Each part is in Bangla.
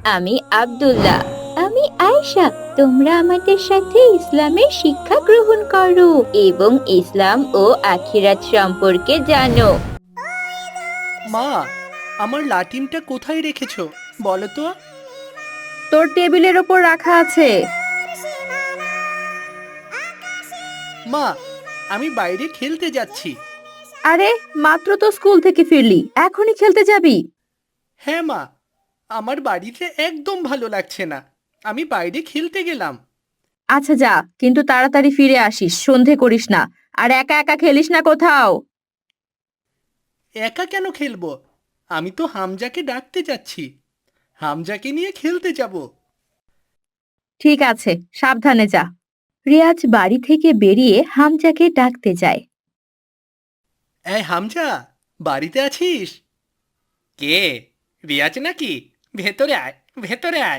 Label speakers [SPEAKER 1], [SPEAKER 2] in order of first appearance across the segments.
[SPEAKER 1] আমি আব্দুল্লাহ। আমি আয়েশা। তোমরা আমাদের সাথে ইসলামের শিক্ষা গ্রহণ করো এবং ইসলাম ও আখিরাত সম্পর্কে জানো।
[SPEAKER 2] মা, আমার লাটিমটা কোথায় রেখেছো বলো তো?
[SPEAKER 1] তোর টেবিলের ওপর রাখা আছে।
[SPEAKER 2] মা, আমি বাইরে খেলতে যাচ্ছি।
[SPEAKER 1] আরে, মাত্র তো স্কুল থেকে ফিরলি, এখনই খেলতে যাবি?
[SPEAKER 2] হ্যাঁ মা, আমার বাড়িতে একদম ভালো লাগছে না, আমি বাইরে খেলতে গেলাম।
[SPEAKER 1] আচ্ছা যা, কিন্তু তাড়াতাড়ি ফিরে আসিস, সন্ধে করিস না। আর একা একা খেলিস না কোথাও।
[SPEAKER 2] একা কেন খেলবো? আমি তো হামজাকে ডাকতে যাচ্ছি, হামজাকে নিয়ে খেলতে যাব।
[SPEAKER 1] ঠিক আছে, সাবধানে যা। রিয়াজ বাড়ি থেকে বেরিয়ে হামজাকে ডাকতে যায়।
[SPEAKER 2] এই হামজা, বাড়িতে আছিস? কে? রিয়াজ নাকি? ভেতরে আয়, ভেতরে আয়।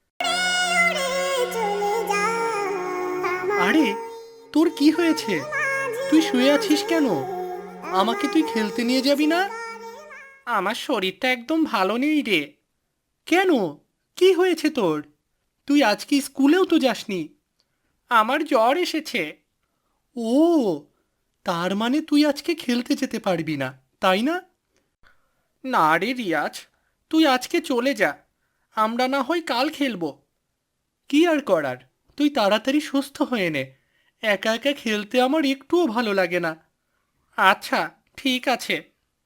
[SPEAKER 2] আরে, তোর কি হয়েছে? তুই শুয়ে আছিস কেন? আমাকে তুই খেলতে নিয়ে যাবি না? আমার শরীরটা একদম ভালো নেই রে। কেন? কি হয়েছে তোর? তুই আজকে স্কুলেও তো যাসনি। আমার জ্বর এসেছে। ও, তার মানে তুই আজকে খেলতে যেতে পারবি না, তাই না? না রে রিয়াজ, তুই আজকে চলে যা, আমরা না হয় কাল খেলবো। কি আর করার, তুই তাড়াতাড়ি সুস্থ হয়ে নে। একা একা খেলতে আমার একটুও ভালো লাগে না। আচ্ছা, ঠিক আছে।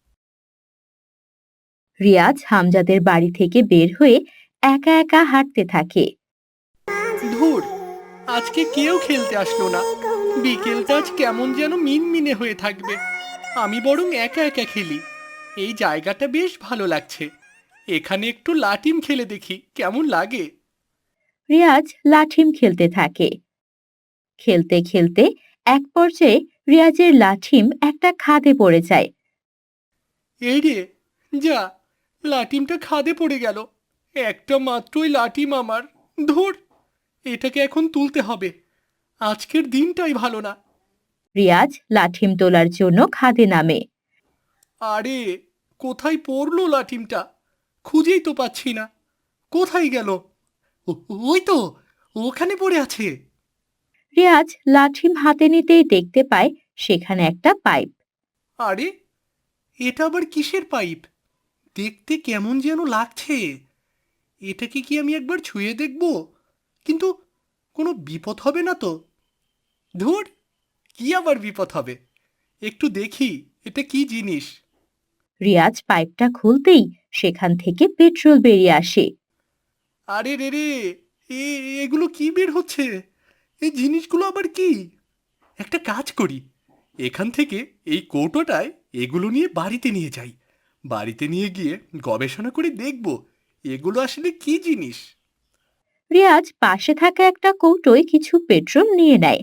[SPEAKER 1] রিয়াজ হামজাদের বাড়ি থেকে বের হয়ে একা একা হাঁটতে থাকে।
[SPEAKER 2] ধুর, আজকে কেউ খেলতে আসলো না। বিকেলটা আজ কেমন যেন মিনমিনে হয়ে থাকবে। আমি বরং একা একা খেলি। এই জায়গাটা বেশ ভালো লাগছে। এখানে একটু লাটিম খেলে দেখি কেমন লাগে।
[SPEAKER 1] রিয়াজ লাঠিম খেলতে থাকে। খেলতে খেলতে এক পর্যায়ে রিয়াজের লাঠিম একটা খাদে পড়ে যায়।
[SPEAKER 2] এই রে, যা, লাটিমটা খাদে পড়ে গেল। একটা মাত্রই লাটিম আমার। ধুর, এটাকে এখন তুলতে হবে। আজকের দিনটাই ভালো না।
[SPEAKER 1] রিয়াজ লাঠিম তোলার জন্য খাদে নামে।
[SPEAKER 2] আরে, কোথায় পড়লো লাঠিমটা? খুঁজেই তো পাচ্ছি না। কোথায় গেল? ওই তো, ওখানে পড়ে আছে।
[SPEAKER 1] রিয়াজ লাঠিম হাতে নিতেই দেখতে পায় সেখানে একটা পাইপ।
[SPEAKER 2] আরে, এটা আবার কিসের পাইপ? দেখতে কেমন যেন লাগছে। এটাকে কি আমি একবার ছুঁয়ে দেখব? কিন্তু কোনো বিপদ হবে না তো? ধুর, কি আবার বিপদ হবে? একটু দেখি এটা কি জিনিস।
[SPEAKER 1] রিয়াজ পাইপটা খুলতেই সেখান থেকে পেট্রোল বেরিয়ে আসে।
[SPEAKER 2] আরে রে রে, এগুলো কি বের হচ্ছে? এই জিনিসগুলো আবার কি? একটা কাজ করি, এখান থেকে এই কৌটোটায় এগুলো নিয়ে বাড়িতে নিয়ে যাই। বাড়িতে নিয়ে গিয়ে গবেষণা করে দেখব এগুলো আসলে কি জিনিস।
[SPEAKER 1] রিয়াজ পাশে থাকা একটা কৌটোয় কিছু পেট্রোল নিয়ে নেয়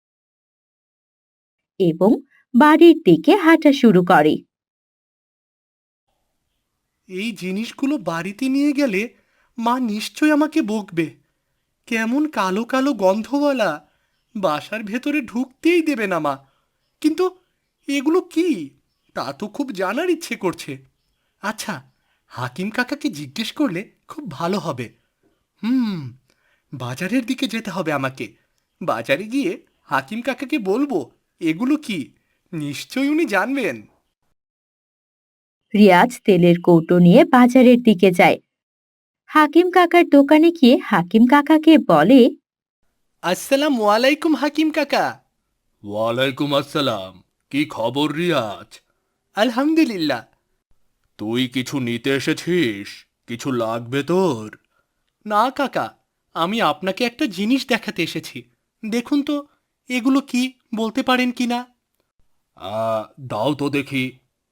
[SPEAKER 1] এবং বাড়ির দিকে হাঁটা শুরু করে।
[SPEAKER 2] এই জিনিসগুলো বাড়িতে নিয়ে গেলে মা নিশ্চয় আমাকে বকবে। কেমন কালো কালো গন্ধওয়ালা, বাসার ভেতরে ঢুকতেই দেবে না মা। কিন্তু এগুলো কি, তা তো খুব জানার ইচ্ছে করছে। আচ্ছা, হাকিম কাকাকে জিজ্ঞেস করলে খুব ভালো হবে। হুম, বাজারের দিকে যেতে হবে আমাকে। বাজারে গিয়ে হাকিম কাকাকে বলবো এগুলো কি, নিশ্চয়ই উনি জানবেন।
[SPEAKER 1] রিয়াজ তেলের কৌটো নিয়ে বাজারের দিকে যায়। হাকিম কাকার দোকানে গিয়ে হাকিম কাকাকে বলে,
[SPEAKER 2] আসসালামু আলাইকুম হাকিম কাকা। ওয়ালাইকুম আসসালাম। কি খবর রিয়াজ? আলহামদুলিল্লাহ। তুই কিছু নিতে এসেছিস? কিছু লাগবে তোর? না কাকা, আমি আপনাকে একটা জিনিস দেখাতে এসেছি। দেখুন তো, এগুলো কি, বলতে পারেন কি না? দাও তো দেখি।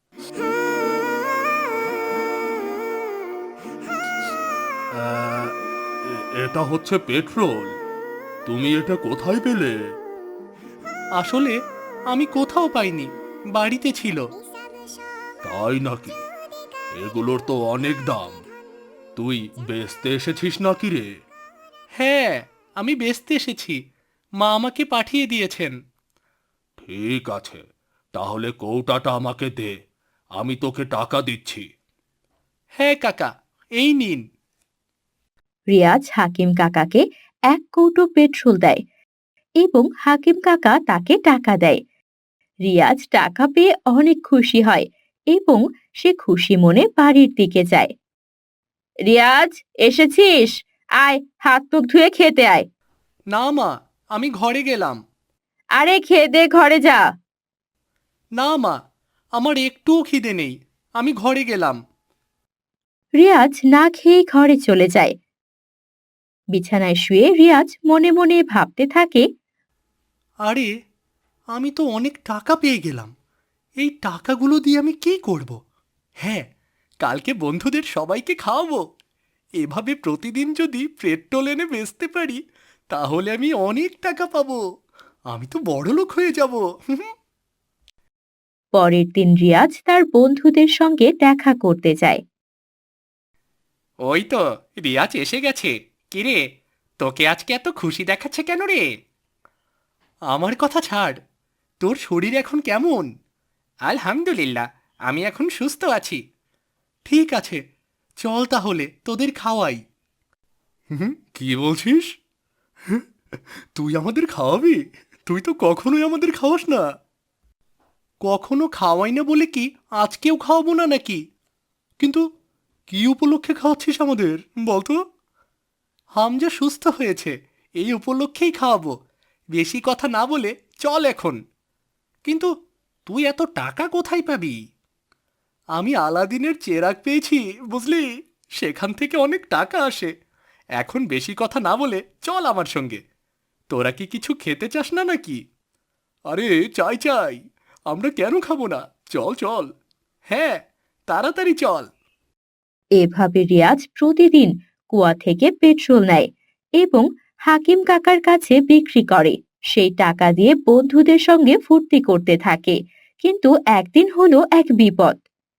[SPEAKER 2] এটা হচ্ছে পেট্রোল। তুমি এটা কোথায় পেলে? আসলে আমি কোথাও পাইনি, বাড়িতে ছিল। তাই নাকি? এগুলোর তো অনেক দাম। তুই বেচতে এসেছিস নাকি রে? হ্যাঁ, আমি বেচতে এসেছি। মা আমাকে পাঠিয়ে দিয়েছেন। ঠিক আছে, তাহলে কৌটাটা আমাকে দে, আমি তোকে টাকা দিচ্ছি। হ্যাঁ কাকা, এই নিন।
[SPEAKER 1] রিয়াজ হাকিম কাকাকে 1 কৌটো পেট্রোল দেয় এবং হাকিম কাকা তাকে টাকা দেয়। রিয়াজ টাকা পেয়ে অনেক খুশি হয় এবং সে খুশি মনে বাড়ির দিকে যায়। রিয়াজ, এসেছিস? আয়, হাত মুখ ধুয়ে খেতে আয়।
[SPEAKER 2] না মা, আমি ঘরে গেলাম।
[SPEAKER 1] আরে খেয়ে দে, ঘরে যা।
[SPEAKER 2] না মা, আমার একটুও খিদে নেই, আমি ঘরে গেলাম।
[SPEAKER 1] রিয়াজ না খেয়ে ঘরে চলে যায়। বিছানায় শুয়ে রিয়াজ মনে মনে ভাবতে থাকে,
[SPEAKER 2] আরে, আমি তো অনেক টাকা পেয়ে গেলাম। এই টাকাগুলো দিয়ে আমি কি করব? হ্যাঁ, কালকে বন্ধুদের সবাইকে খাওয়াবো। এভাবে প্রতিদিন যদি পেট্রোল এনে বেচতে পারি, তাহলে আমি অনেক টাকা পাবো। আমি তো বড়লোক হয়ে যাব।
[SPEAKER 1] পরের দিন রিয়াজ তার বন্ধুদের সঙ্গে দেখা করতে যায়।
[SPEAKER 2] ওই তো রিয়াজ এসে গেছে। কিরে, তোকে আজকে এত খুশি দেখাচ্ছে কেন রে? আমার কথা ছাড়, তোর শরীর এখন কেমন? আলহামদুলিল্লাহ, আমি এখন সুস্থ আছি। ঠিক আছে, চল তাহলে তোদের খাওয়াই। কি বলছিস? তুই আমাদের খাওয়াবি? তুই তো কখনোই আমাদের খাওয়াস না। কখনো খাওয়াই না বলে কি আজকেও খাওয়াবো না নাকি? কিন্তু কি উপলক্ষে খাওয়াচ্ছিস আমাদের বলতো? হামজা সুস্থ হয়েছে, এই উপলক্ষেই খাওয়াবো। বেশি কথা না বলে চল এখন। কিন্তু তুই এত টাকা কোথায় পাবি? আমি আলাদিনের চেরাগ পেয়েছি, বুঝলি? সেখান থেকে অনেক টাকা আসে। এখন বেশি কথা না বলে চল আমার সঙ্গে। তোরা কি কিছু খেতে চাস না নাকি? আরে চাই চাই, আমরা কেন খাবো না? চল চল। হ্যাঁ, তাড়াতাড়ি চল।
[SPEAKER 1] এভাবে রিয়াজ প্রতিদিন কুয়া থেকে পেট্রোল নেয় এবং হাকিম কাকার কাছে বিক্রি করে। সেই টাকা দিয়ে বন্ধুদের সঙ্গে ফুর্তি করতে থাকে। কিন্তু একদিন হলো এক বিপদ।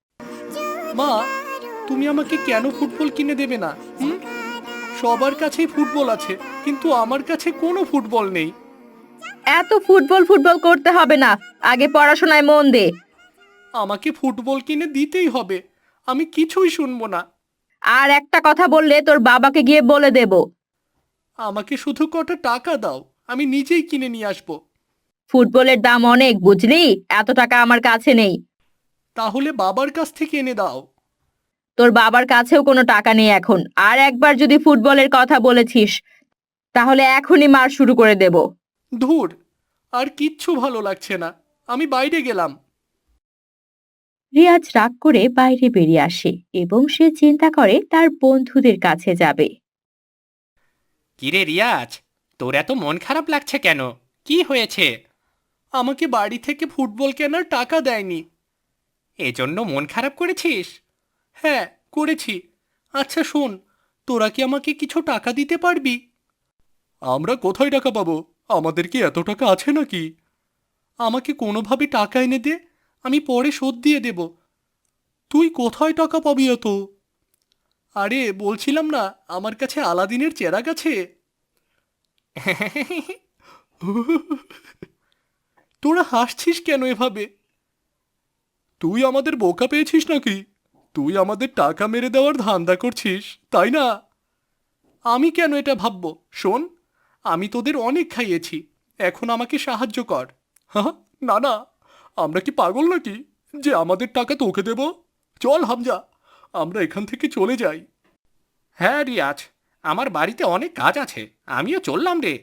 [SPEAKER 2] মা, তুমি আমাকে কেন ফুটবল কিনে দেবে না? হুম? সবার কাছেই ফুটবল আছে, কিন্তু আমার কাছে কোনো ফুটবল নেই।
[SPEAKER 1] এত ফুটবল ফুটবল করতে হবে না, আগে পড়াশোনায় মন দে।
[SPEAKER 2] আমাকে ফুটবল কিনে দিতেই হবে, আমি কিছুই শুনবো না।
[SPEAKER 1] আর একটা কথা বললে তোর বাবাকে গিয়ে বলে দেব।
[SPEAKER 2] আমাকে শুধু কটা টাকা দাও, আমি নিজেই কিনে নিয়ে আসবো।
[SPEAKER 1] ফুটবলের দাম অনেক, বুঝলি? এত টাকা আমার কাছে নেই।
[SPEAKER 2] তাহলে বাবার কাছ থেকে এনে দাও।
[SPEAKER 1] তোর বাবার কাছেও কোনো টাকা নেই এখন। আর একবার যদি ফুটবলের কথা বলেছিস, তাহলে এখনই মার শুরু করে দেব।
[SPEAKER 2] ধুর, আর কিচ্ছু ভালো লাগছে না, আমি বাইরে গেলাম।
[SPEAKER 1] রিয়াজ রাগ করে বাইরে বেরিয়ে আসে এবং সে চিন্তা করে তার বন্ধুদের কাছে যাবে।
[SPEAKER 2] কিরে রিয়াজ, তোর এত মন খারাপ লাগছে কেন? কি হয়েছে? আমাকে বাড়ি থেকে ফুটবল কেনার টাকা দেয়নি, এজন্য মন খারাপ করেছিস? হ্যাঁ, করেছি। আচ্ছা শোন, তোরা কি আমাকে কিছু টাকা দিতে পারবি? আমরা কোথায় টাকা পাবো? আমাদের কি এত টাকা আছে নাকি? আমাকে কোনোভাবে টাকা এনে দে, আমি পরে শোধ দিয়ে দেব। তুই কোথায় টাকা পাবি এত? আরে বলছিলাম না, আমার কাছে আলাদিনের চেরাগ আছে। তোরা হাসছিস কেন এভাবে? তুই আমাদের বোকা পেয়েছিস নাকি? তুই আমাদের টাকা মেরে দেওয়ার ধান্দা করছিস, তাই না? আমি কেন এটা ভাববো? শোন, আমি তোদের অনেক খাইয়েছি, এখন আমাকে সাহায্য কর। হ্যাঁ, না না, আমরা কি পাগল নাকি যে আমাদের টাকা তোকে দেব? চল হামজা, আমরা এখান থেকে চলে যাই। হ্যাঁ রিয়াজ, আমার বাড়িতে অনেক কাজ আছে, আমিও চললাম রে।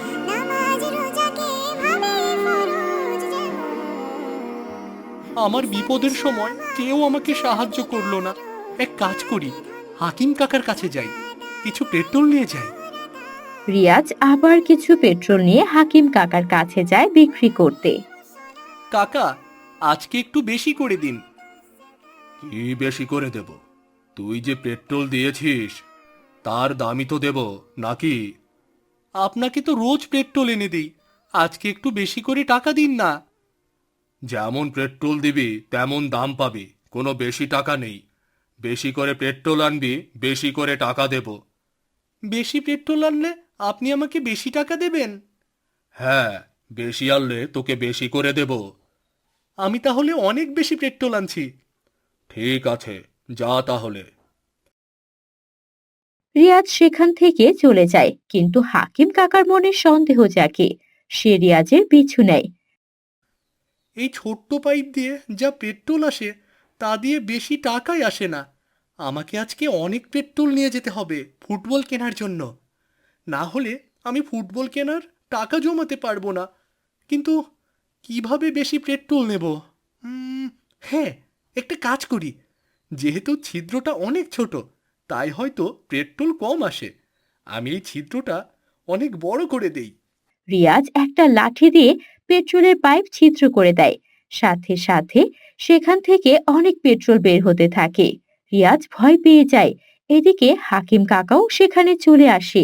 [SPEAKER 2] আমার বিপদের সময় কেউ আমাকে সাহায্য করলো না। এক কাজ করি, হাকিম কাকার কাছে যাই, কিছু পেট্রোল নিয়ে যাই।
[SPEAKER 1] রিয়াজ আবার কিছু পেট্রোল নিয়ে হাকিম কাকার কাছে যায় বিক্রি করতে।
[SPEAKER 2] কাকা, আজকে একটু বেশি করে দিন। কি বেশি করে দেব? তুই যে পেট্রোল দিয়েছিস তার দামই তো দেব নাকি? আপনাকে তো রোজ পেট্রোল এনে দিই, আজকে একটু বেশি করে টাকা দিন না। যেমন পেট্রোল দিবি তেমন দাম পাবি, কোনো বেশি টাকা নেই। বেশি করে পেট্রোল আনবি, বেশি করে টাকা দেব। বেশি পেট্রোল আনলে আপনি আমাকে বেশি টাকা দেবেন? হ্যাঁ, বেশি আনলে তোকে বেশি করে দেব। আমি তাহলে অনেক বেশি পেট্রোল আনছি। ঠিক আছে, যা তাহলে।
[SPEAKER 1] রিয়াজ সেখান থেকে চলে যায়, কিন্তু হাকিম কাকার মনে সন্দেহ জাগে। সে রিয়াজের পিছু নেয়।
[SPEAKER 2] এই ছোট্ট পাইপ দিয়ে যা পেট্রোল আসে তা দিয়ে বেশি টাকাই আসে না। আমাকে আজকে অনেক পেট্রোল নিয়ে যেতে হবে ফুটবল কেনার জন্য। না হলে আমি ফুটবল কেনার টাকা জমাতে পারবো না। কিন্তু কিভাবে বেশি পেট্রোল নেব? হ্যাঁ, একটা কাজ করি। যেহেতু ছিদ্রটা অনেক ছোট, তাই হয়তো পেট্রোল কম আসে। আমি এই ছিদ্রটা অনেক বড় করে দেই।
[SPEAKER 1] রিয়াজ একটা লাঠি দিয়ে পেট্রোলের পাইপ ছিদ্র করে দেয়। সাথে সাথে সেখান থেকে অনেক পেট্রোল বের হতে থাকে। রিয়াজ ভয় পেয়ে যায়। এদিকে হাকিম কাকাও সেখানে চলে আসে।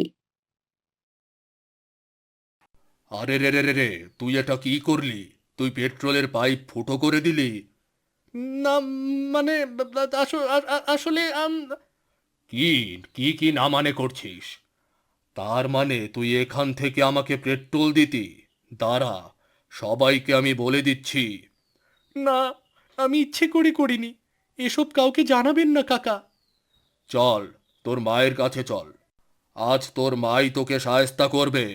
[SPEAKER 2] আরে রে রে রে রে, তুই এটা কি করলি? তুই পেট্রোলের পাইপ ফুটো করে দিলি। না, মানে আসলে কি কি কি না মানে করছিস? তার মানে তুই এখান থেকে আমাকে পেট্রোল দিতি? দাঁড়া, সবাইকে আমি বলে দিচ্ছি। না, আমি ইচ্ছে করে করিনি। এসব কাউকে জানাবেন না কাকা। চল, তোর মায়ের কাছে চল। আজ তোর মাই তোকে শায়েস্তা করবে।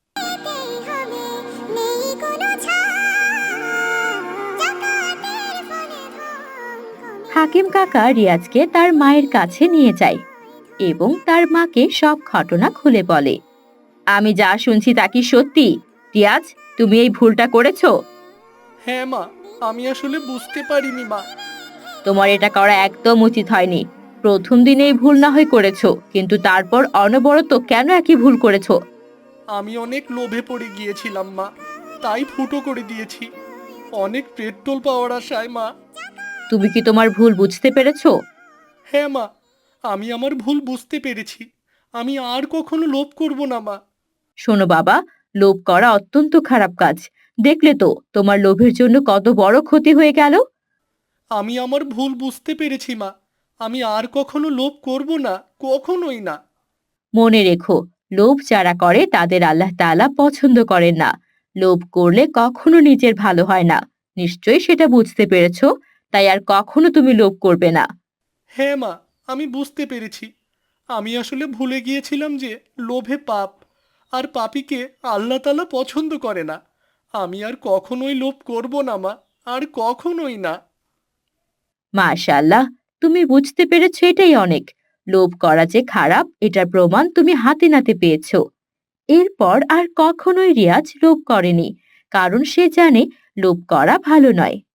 [SPEAKER 1] হাকিম কাকা রিয়াজকে তার মায়ের কাছে নিয়ে যায় এবং তার মাকে সব ঘটনা খুলে বলে। আমি যা শুনছি তা কি সত্যি? রিয়াজ, তুমি এই ভুলটা করেছো?
[SPEAKER 2] হ্যাঁ মা, আমি আসলে বুঝতে পারিনি মা।
[SPEAKER 1] তোমার এটা করা একদম উচিত হয়নি। প্রথম দিনে এই ভুল না হয় করেছো, কিন্তু তারপর অনবরত কেন একই ভুল করেছো?
[SPEAKER 2] আমি অনেক লোভে পড়ে গিয়েছিলাম মা, তাই ফুটো করে দিয়েছি। অনেক পেট্রোল পাওয়ার আশায় মা।
[SPEAKER 1] তুমি কি তোমার ভুল বুঝতে পেরেছো?
[SPEAKER 2] হ্যাঁ মা, আমি আমার ভুল বুঝতে পেরেছি। আমি আর কখনো লোভ করব না মা।
[SPEAKER 1] শোনো বাবা, লোভ করা অত্যন্ত খারাপ কাজ। দেখলে তো তোমার লোভের জন্য কত বড় ক্ষতি হয়ে গেল।
[SPEAKER 2] আমি আমার ভুল বুঝতে পেরেছি মা। আমি আর কখনো লোভ করব না, কখনোই না।
[SPEAKER 1] মনে রেখো, লোভ যারা করে তাদের আল্লাহ তাআলা পছন্দ করেন না। লোভ করলে কখনো নিজের ভালো হয় না। নিশ্চয়ই সেটা বুঝতে পেরেছো। তাই আর কখনো তুমি লোভ করবে না।
[SPEAKER 2] হ্যাঁ মা, আমি বুঝতে পেরেছি। আমি আসলে ভুলে গিয়েছিলাম যে লোভে পাপ, আর পাপীকে আল্লাহ তাআলা পছন্দ করে না। আমি আর কখনোই লোভ করব না মা, আর কখনোই না।
[SPEAKER 1] মাশাআল্লাহ, তুমি বুঝতে পেরেছো, এটাই অনেক। লোভ করা যে খারাপ এটার প্রমাণ তুমি হাতে নাতে পেয়েছো। এরপর আর কখনোই রিয়াজ লোভ করেনি, কারণ সে জানে লোভ করা ভালো নয়।